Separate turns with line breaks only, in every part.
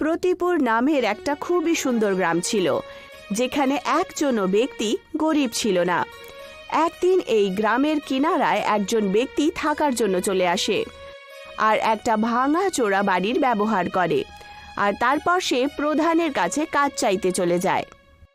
প্রতিপুর নামের একটা খুবই সুন্দর গ্রাম ছিল, যেখানে একজনও ব্যক্তি গরিব ছিল না। একদিন এই গ্রামের কিনারায় একজন ব্যক্তি থাকার জন্য চলে আসে আর একটা ভাঙা চোরা বাড়ির ব্যবহার করে, আর তারপর সে প্রধানের কাছে কাজ চাইতে চলে যায়।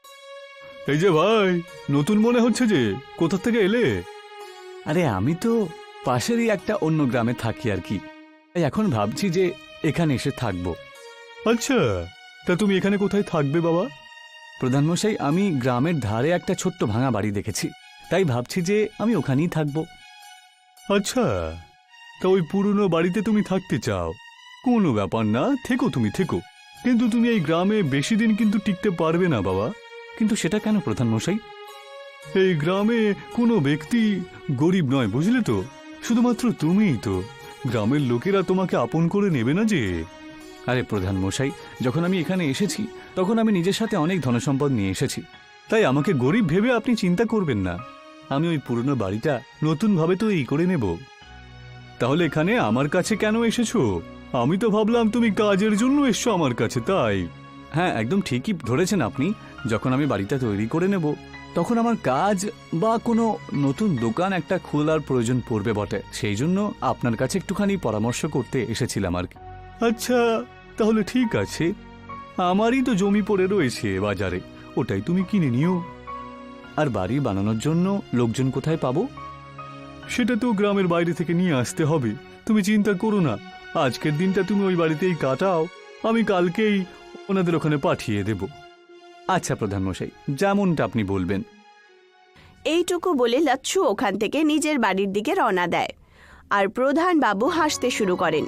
এই যে ভাই, নতুন মনে হচ্ছে যে, কোথা থেকে এলে?
আরে আমি তো পাশেরই একটা অন্য গ্রামে থাকি আর কি, তাই এখন ভাবছি যে এখানে এসে থাকবো।
আচ্ছা, তা তুমি এখানে কোথায় থাকবে বাবা?
প্রধানমশাই, আমি গ্রামের ধারে একটা ছোট্ট ভাঙা বাড়ি দেখেছি, তাই ভাবছি যে আমি ওখানেই থাকবো।
আচ্ছা, তা ওই পুরনো বাড়িতে তুমি থাকতে চাও? কোনো ব্যাপার না, থেকো, তুমি থেকো, কিন্তু তুমি এই গ্রামে বেশি দিন কিন্তু টিকতে পারবে না বাবা।
কিন্তু সেটা কেন প্রধানমশাই?
এই গ্রামে কোনো ব্যক্তি গরিব নয়, বুঝলে তো? শুধুমাত্র তুমিই তো। গ্রামের লোকেরা তোমাকে আপন করে নেবে না যে।
আরে প্রধানমশাই, যখন আমি এখানে এসেছি তখন আমি নিজের সাথে অনেক ধনসম্পদ নিয়ে এসেছি।
তাই আমাকে গরিব ভেবে আপনি চিন্তা করবেন না। আমি ওই পুরনো বাড়িটা নতুনভাবে তো এই করে নেব। তাহলে এখানে আমার কাছে কেন এসেছো? আমি তো ভাবলাম তুমি কাজের জন্য এসছো আমার কাছে, তাই।
হ্যাঁ, একদম ঠিকই ধরেছেন আপনি। যখন আমি বাড়িটা তৈরি করে নেব তখন আমার কাজ বা কোনো নতুন দোকান একটা খোলার প্রয়োজন পড়বে বটে, সেই জন্য আপনার কাছে একটুখানি পরামর্শ করতে এসেছিলাম আর কি।
আচ্ছা, তাহলে ঠিক আছে। আমারই তো জমি পড়ে রয়েছে বাজারে, ওটাই তুমি কিনে নিও।
আর বাড়ি বানানোর জন্য লোকজন কোথায় পাবো?
সেটা তো গ্রামের বাইরে থেকে নিয়ে আসতে হবে। তুমি চিন্তা করো না, আজকের দিনটা তুমি ওই বাড়িতেই কাটাও, আমি কালকেই ওনাদের ওখানে পাঠিয়ে দেব।
আচ্ছা প্রধানমশাই, যেমনটা আপনি বলবেন।
এইটুকু বলে লচ্ছু ওখান থেকে নিজের বাড়ির দিকে রওনা দেয়, আর প্রধান বাবু হাসতে শুরু করেন।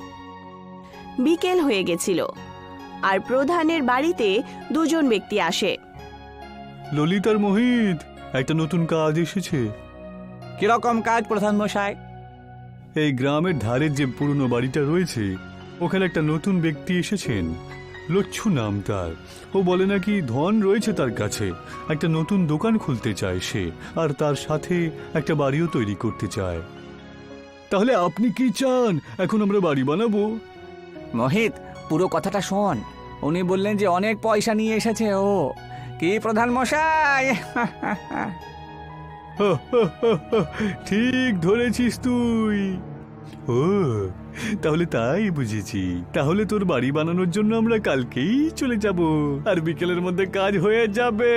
বিকেল হয়ে গেছিল, আর প্রধানের বাড়িতে দুজন ব্যক্তি আসে।
ললিত আর মোহিত, একটা নতুন কাজ এসেছে।
কিরকম কাজ প্রধানমশাই?
এই গ্রামের ধারের যে পুরনো বাড়িটা রয়েছে, ওখানে একটা নতুন ব্যক্তি এসেছেন। লচ্ছু নাম তার। ও বলে নাকি ধন রয়েছে তার কাছে, একটা নতুন দোকান খুলতে চায় সে, আর তার সাথে একটা বাড়িও তৈরি করতে চায়। তাহলে আপনি কি চান এখন আমরা বাড়ি বানাবো?
মোহিত, পুরো কথাটা শোন। উনি বললেন যে অনেক পয়সা নিয়ে এসেছে ও। কি প্রধান মশাই?
ঠিক ধরেছিস তুই। ও, তাহলে তাই বুঝেছি। তাহলে তোর বাড়ি বানানোর জন্য আমরা কালকেই চলে যাব, আর বিকেলের মধ্যে কাজ হয়ে যাবে।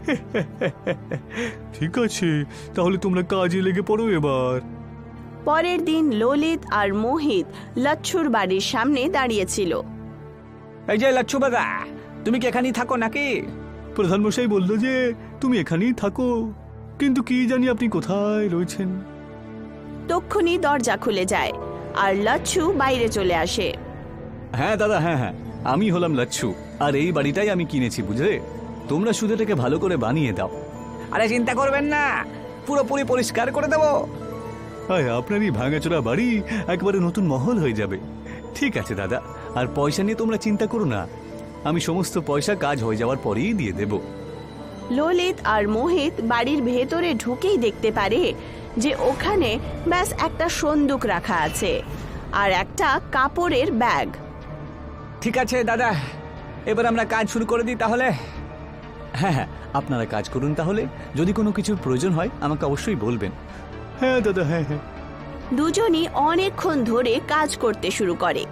ঠিক আছে, তাহলে তোমরা কাজে লেগে পড়ো এবার।
পরের দিন ললিত আর মোহিত লচ্ছুর বাড়ির সামনে দাঁড়িয়েছিল।
এই যে লচ্ছু দাদা, তুমি কি এখানেই থাকো নাকি?
প্রধানমশাই বলল যে তুমি এখানেই থাকো, কিন্তু কি জানি আপনি কোথায় রয়েছেন।
তক্ষুনি দরজা খুলে যায়, আর লচ্ছু বাইরে চলে আসে।
হ্যাঁ দাদা, হ্যাঁ হ্যাঁ, আমি হলাম লচ্ছু, আর এই বাড়িটাই আমি কিনেছি, বুঝলে? তোমরা শুধু এটাকে ভালো করে বানিয়ে দাও।
আরে চিন্তা করবেন না, পুরোপুরি পরিষ্কার করে দেবো।
আপনার এই ভাঙাচোরা বাড়ি একবারে নতুন মহল হয়ে যাবে।
ঠিক আছে দাদা, আর পয়সা নিয়ে তোমরা চিন্তা করো না, আমি সমস্ত পয়সা কাজ হয়ে যাওয়ার পরেই দিয়ে দেব।
ললিত আর মোহিত বাড়ির ভেতরে ঢুকেই দেখতে পারে যে ওখানে ব্যাস একটা সন্দুক রাখা আছে আর একটা কাপড়ের ব্যাগ।
ঠিক আছে দাদা, এবার আমরা কাজ শুরু করে দিই তাহলে।
হ্যাঁ হ্যাঁ, আপনারা কাজ করুন তাহলে। যদি কোনো কিছুর প্রয়োজন হয় আমাকে অবশ্যই বলবেন।
হ্যাঁ দাদা, হ্যাঁ হ্যাঁ।
দুজনই অনেকক্ষণ ধরে কাজ করতে শুরু করে।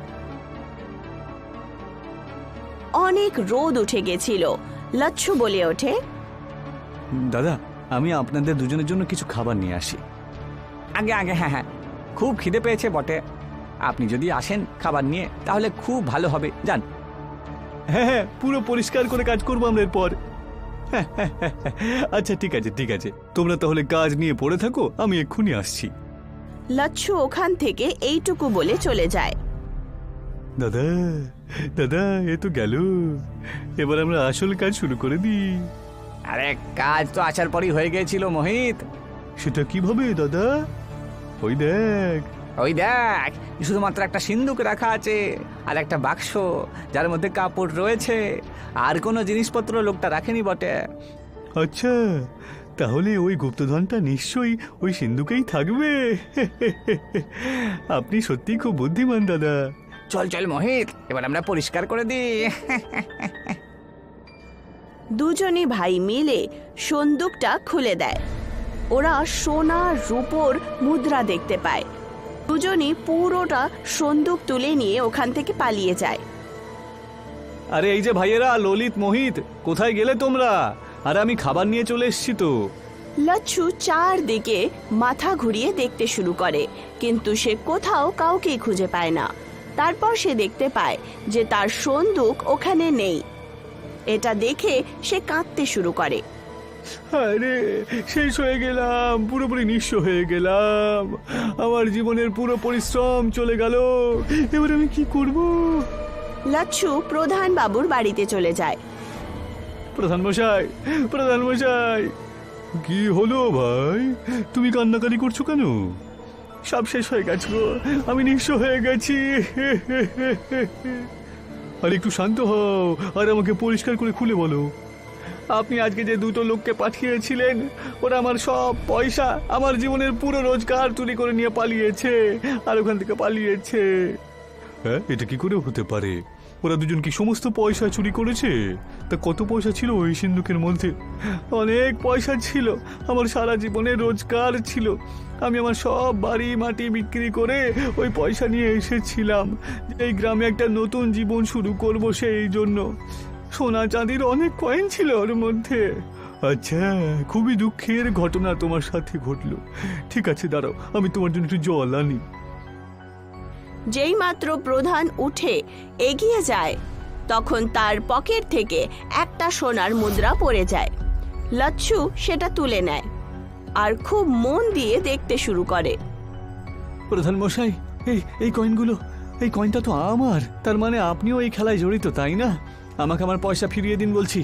অনেক রোদ উঠে গেছিল। লচ্ছু বলে ওঠে,
দাদা, আমি আপনাদের দুজনের জন্য কিছু খাবার নিয়ে আসি।
আগে আগে, হ্যাঁ হ্যাঁ, খুব খিদে পেয়েছে বটে। আপনি যদি আসেন খাবার নিয়ে তাহলে খুব ভালো হবে। যান।
হ্যাঁ হ্যাঁ, পুরো পরিষ্কার করে কাজ করবো আমরা এরপর। আচ্ছা ঠিক আছে, ঠিক আছে, তোমরা তাহলে কাজ নিয়ে পড়ে থাকো, আমি এক্ষুনি আসছি।
লচ্ছু ওখান থেকে এইটুকু বলে চলে যায়।
দাদা দাদা, এ তো গেল, এবার আমরা আসল কাজ শুরু করে দিই।
আরে কাজ তো আসার পরই হয়ে গিয়েছিল মোহিত।
সেটা কিভাবে দাদা? ওই দেখ।
ওই দেখ, শুধুমাত্র একটা সিন্দুক রাখা আছে আর একটা বাক্স, যার মধ্যে কাপড় রয়েছে, আর কোনো জিনিসপত্র লোকটা রাখেনি বটে।
আচ্ছা, তাহলে ওই গুপ্তধনটা নিশ্চয়ই ওই সিন্ধুকেই থাকবে। আপনি সত্যি খুব বুদ্ধিমান দাদা।
চল চল মোহিত, এবার আমরা পরিষ্কার করে দিই।
দুজনই ভাই মিলে সন্দুকটা খুলে দেয়। ওরা সোনা রূপোর মুদ্রা দেখতে পায়। দুজনই পুরোটা সন্দুক তুলে নিয়ে ওখান থেকে পালিয়ে যায়।
আরে এই যে ভাইয়েরা, ললিত, মোহিত, কোথায় গেলে তোমরা? আরে আমি খাবার নিয়ে চলে এসেছি তো।
লচ্ছু চারদিকে মাথা ঘুরিয়ে দেখতে শুরু করে, কিন্তু সে কোথাও কাউকেই খুঁজে পায় না। তারপর সে দেখতে পায় যে তার সন্দুক ওখানে নেই। এটা দেখে সে কাঁদতে শুরু করে।
আরে শেষ হয়ে গেলাম, পুরোপুরি নিঃস্ব হয়ে গেলাম। আমার জীবনের পুরো পরিশ্রম চলে গেল। এবার আমি কি করব?
লচ্ছু প্রধান বাবুর বাড়িতে চলে যায়।
প্রধান মশাই, প্রধান মশাই, কি হলো ভাই? তুমি কান্নাকারি করছো কেন? সব শেষ হয়ে গেছে গো, আমি নিঃস্ব হয়ে গেছি। আর একটু শান্ত হও আর আমাকে পরিষ্কার করে খুলে বলো। আপনি আজকে যে দুটো লোককে পাঠিয়েছিলেন, ওরা আমার সব পয়সা, আমার জীবনের পুরো রোজগার চুরি করে নিয়ে পালিয়েছে, আর ওখান থেকে পালিয়েছে। হ্যাঁ, এটা কি করে হতে পারে? ওরা দুজন কি সমস্ত পয়সা চুরি করেছে? তা কত পয়সা ছিল ওই সিন্ধুকের মধ্যে? অনেক পয়সা ছিল, আমার সারা জীবনের রোজগার ছিল। আমি আমার সব বাড়ি মাটি বিক্রি করে ওই পয়সা নিয়ে এসেছিলাম, এই গ্রামে একটা নতুন জীবন শুরু করব। সেই জন্য সোনা চাঁদির অনেক কয়েন ছিল ওর মধ্যে। আচ্ছা, খুবই দুঃখের ঘটনা তোমার সাথে ঘটলো। ঠিক আছে, দাঁড়াও, আমি তোমার জন্য একটু জল আনি।
যেই মাত্র প্রধান উঠে এগিয়ে যায়, তখন তার পকেট থেকে একটা সোনার মুদ্রা পড়ে যায়। লচ্ছু সেটা তুলে নেয় আর খুব মন দিয়ে দেখতে শুরু করে।
প্রধান মশাই, এই কয়েনগুলো, এই কয়েনটা তো আমার। তার মানে আপনিও এই খেলায় জড়িত, তাই না? আমাকে আমার পয়সা ফিরিয়ে দিন বলছি।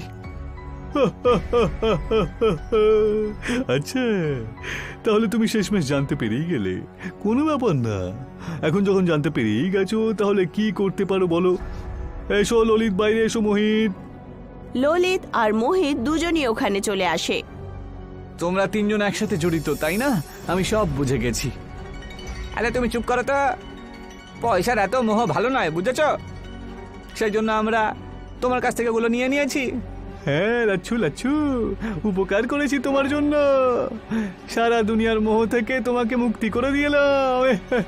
আচ্ছা, তাহলে তুমি শেষমেশ জানতে পেরেই গেলে। কোনো ব্যাপার না, এখন যখন জানতে পেরেই গেছো, তাহলে কি করতে পারো বলো? এসো ললিত, বাইরে এসো। মোহিত।
ললিত আর মোহিত দুজনই ওখানে চলে আসে।
তোমরা তিনজন একসাথে জড়িত, তাই না? আমি সব বুঝে গেছি।
আরে তুমি চুপ করো তো, পয়সার এত মোহ ভালো নয়, বুঝেছ? সেই জন্য আমরা তোমার কাছ থেকে ওগুলো নিয়ে নিয়েছি।
হ্যাঁ লাচ্ছু, লাচ্ছু, উপকার করেছি তোমার জন্য। সারা দুনিয়ার মোহ থেকে তোমাকে মুক্তি করে দিলাম।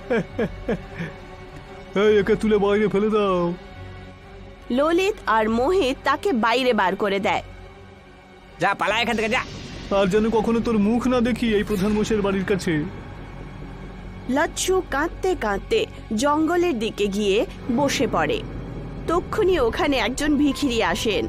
এই, একে তুলে বাইরে ফেলে দাও।
ললিত আর মোহিত তাকে বাইরে বার করে দেয়।
যা, পালা এখান থেকে, যা।
আর যেন কখনো তোর মুখ না দেখি এই প্রধান মশাইয়ের বাড়ির কাছে।
লচ্ছু কাঁদতে কাঁদতে জঙ্গলের দিকে গিয়ে বসে পড়ে। তক্ষুনি ওখানে একজন ভিখিরি আসেন।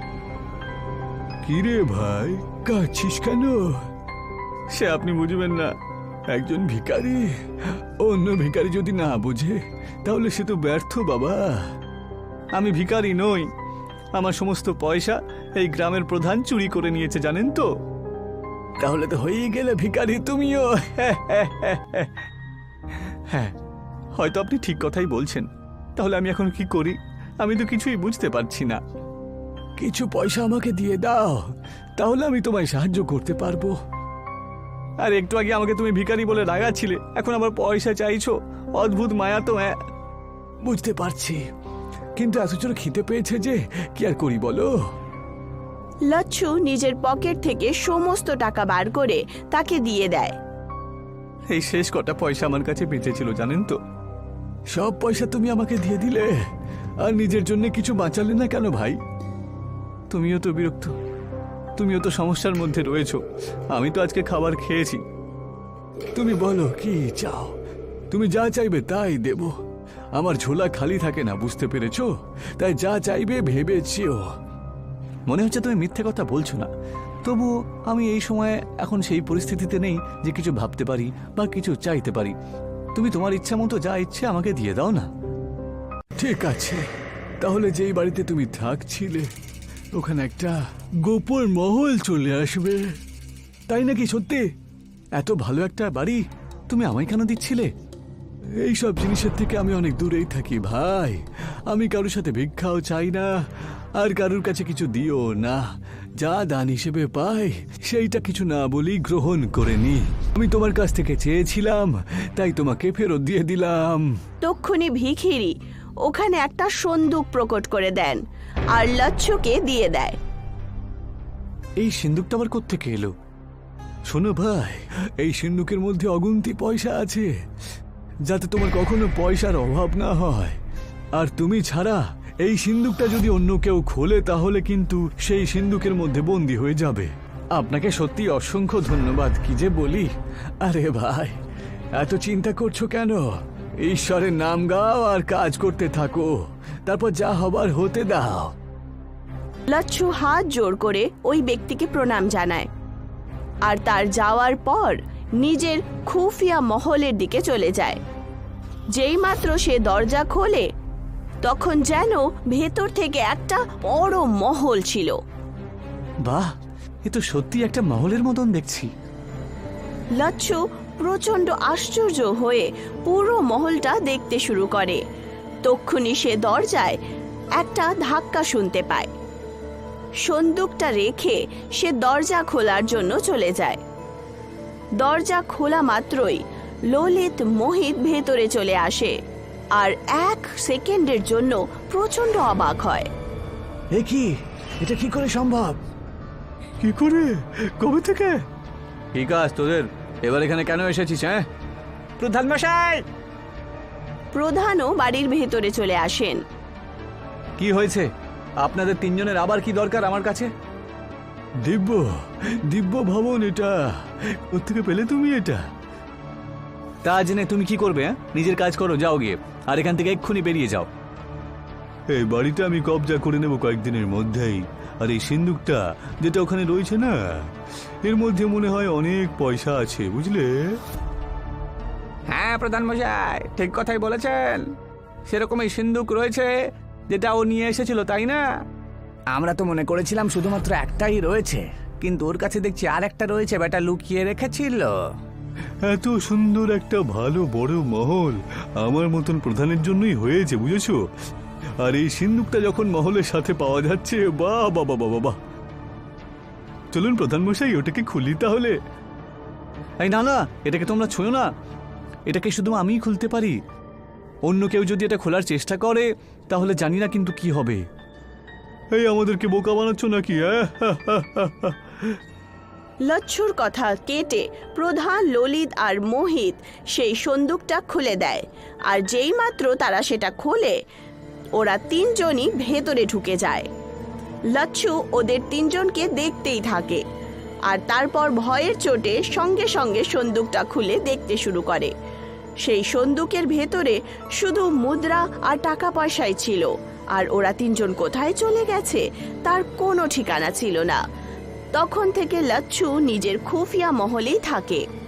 কিরে ভাই, কাঁদছিস কেন? সে আপনি বুঝবেন না, একজন ভিখারি অন্য ভিখারি যদি না বুঝে তাহলে সে তো ব্যর্থ বাবা।
আমি ভিখারি নই, আমার সমস্ত পয়সা এই গ্রামের প্রধান চুরি করে নিয়েছে, জানেন তো?
তাহলে তো হয়েই গেলে ভিখারি তুমিও।
হ্যাঁ, হয়তো আপনি ঠিক কথাই বলছেন। তাহলে আমি এখন কি করি? আমি তো কিছুই বুঝতে পারছি না।
কিছু পয়সা আমাকে দিয়ে দাও, তাহলে আমি তোমায় সাহায্য করতে পারবো।
আর একটু আগে আমাকে তুমি ভিখারি বলে রাগাচ্ছিলে, এখন আবার পয়সা চাইছো? অদ্ভুত মায়া তো।
বুঝতে পারছি, কিন্তু এত জোর খিদে পেয়েছে যে কি আর করি বলো।
লচ্ছু নিজের পকেট থেকে সমস্ত টাকা বার করে তাকে দিয়ে দেয়।
এই শেষ কটা পয়সা আমার কাছে বেঁচেছিল, জানেন তো?
সব পয়সা তুমি আমাকে দিয়ে দিলে, আর নিজের জন্য কিছু বাঁচালে না কেন ভাই?
তুমিও তো বিরক্ত, তুমিও তো সমস্যার মধ্যে রয়েছো। আমি তো আজকে খাবার খেয়েছি।
তুমি বলো কি চাও, তুমি যা চাইবে তাই দেব। আমার ঝোলা খালি থাকে না, বুঝতে পেরেছো? তাই যা চাইবে ভেবেছিও।
মনে হচ্ছে তুমি মিথ্যে কথা বলছো না। তবু আমি এই সময়ে এখন সেই পরিস্থিতিতে নেই যে কিছু ভাবতে পারি বা কিছু চাইতে পারি। তুমি তোমার ইচ্ছা মতো যা ইচ্ছে আমাকে দিয়ে দাও না।
ঠিক আছে, তাহলে যেই বাড়িতে তুমি থাকছিলে ওখানে একটা গোপন মহল চলে আসবে।
তাই নাকি? সত্যি? এত ভালো একটা বাড়ি তুমি আমায় কেন দিচ্ছিলে?
এইসব জিনিসের থেকে আমি অনেক দূরেই থাকি ভাই। আমি কারোর সাথে ভিক্ষাও চাই না, আর কারোর কাছে কিছু দিও না। যা দান হিসেবে পাই সেইটা কিছু না বলি গ্রহণ করে নি। আমি তোমার কাছ থেকে চেয়েছিলাম, তাই তোমাকে ফেরত দিয়ে দিলাম।
তক্ষুনি ভিখিরি ওখানে একটা সন্দুক প্রকট করে দেন আর লচ্ছুকে দিয়ে দেয়।
এই সিন্দুকটা আবার কোত্থেকে এলো? শোনো ভাই, এই সিন্দুকের মধ্যে অগুন্তি পয়সা আছে, যাতে তোমার কখনো পয়সার অভাব না হয়। আর তুমি ছাড়া এই সিন্দুকটা যদি অন্য কেউ খোলে তাহলে কিন্তু সেই সিন্দুকের মধ্যে বন্দী হয়ে যাবে। আপনাকে সত্যি অসংখ্য ধন্যবাদ, কি যে বলি। আরে ভাই, এত চিন্তা করছো কেন? ঈশ্বরের নাম গাও আর কাজ করতে থাকো, তারপর যা হবার হতে দাও।
লচ্ছু হাত জোর করে ওই ব্যক্তিকে প্রণাম জানায় আর তার যাওয়ার পর নিজের খুফিয়া মহলের দিকে চলে যায়। যেই মাত্র সে দরজা খোলে তখন যেন ভেতর থেকে একটা বড় মহল ছিল।
বাহ, এ তো সত্যি একটা মহলের মতন দেখছি।
লচ্ছু প্রচন্ড আশ্চর্য হয়ে পুরো মহলটা দেখতে শুরু করে। তক্ষুনি সে দরজায় একটা ধাক্কা শুনতে পায়। সন্দুকটা রেখে সে দরজা খোলার জন্য চলে যায়। দরজা খোলা মাত্রই ললিত মোহিত ভেতরে চলে আসে আর 1 সেকেন্ডের জন্য প্রচন্ড অবাক হয়।
এ কি, এটা কি করে সম্ভব?
কি করে, কবে থেকে?
ঠিক আছে তোদের, এবার এখানে কেন এসেছিস? হ্যাঁ,
প্রধান মশাই,
প্রধানও বাড়ির ভেতরে চলে আসেন।
কি হয়েছে? আপনাদের তিনজনের আবার কি দরকার আমার কাছে?
দিব্য দিব্য ভবন, এটা কোত্থেকে পেলে তুমি এটা?
তা জেনে তুমি কি করবে? হ্যাঁ, নিজের কাজ করো, যাও গিয়ে, আর এখান থেকে এক্ষুনি বেরিয়ে যাও।
এই বাড়িটা আমি কবজা করে নেব কয়েকদিনের মধ্যেই। আর এই সিন্দুকটা যেটা ওখানে রয়েছে না, এর মধ্যে মনে হয় অনেক পয়সা আছে, বুঝলে?
হ্যাঁ প্রধান মশাই, ঠিক কথাই বলেছেন। সেরকমই সিন্দুক রয়েছে যেটা ও নিয়ে এসেছিল, তাই না? আমরা তো মনে করেছিলাম শুধুমাত্র একটাই রয়েছে, কিন্তু ওর কাছে দেখছি আর একটা রয়েছে, বেটা লুকিয়ে রেখেছিল।
এত সুন্দর একটা ভালো বড় মহল আমার মতন প্রধানের জন্যই হয়েছে, বুঝেছো? আর এই সিন্দুকটা যখন মহলের সাথে পাওয়া যাচ্ছে, বাহ বাবা বাবা বাহ! চলুন প্রধান মশাই, ওটাকে খুলি তাহলে।
এই না না, এটাকে তোমরা ছুঁয়ো না, এটাকে শুধু আমিই খুলতে পারি। অন্য কেউ যদি এটা খোলার চেষ্টা করে তাহলে জানি না কিন্তু কি হবে।
এই আমাদেরকে বোকা বানাচ্ছ নাকি?
লচ্ছুর কথা কেটে প্রধান, ললিত আর মোহিত সেই সন্দুকটা খুলে দেয়। আর যেই মাত্র তারা সেটা খোলে ওরা তিনজনই ভেতরে ঢুকে যায়। লচ্ছু ওদের তিনজনকে দেখতেই থাকে আর তারপর ভয়ের চোটে সঙ্গে সঙ্গে সন্দুকটা খুলে দেখতে শুরু করে। সেই সন্দুকের ভেতরে শুধু মুদ্রা আর টাকা পয়সাই ছিল, আর ওরা তিনজন কোথায় চলে গেছে তার কোনো ঠিকানা ছিল না। তখন থেকে লচ্ছু নিজের খুফিয়া মহলেই থাকে।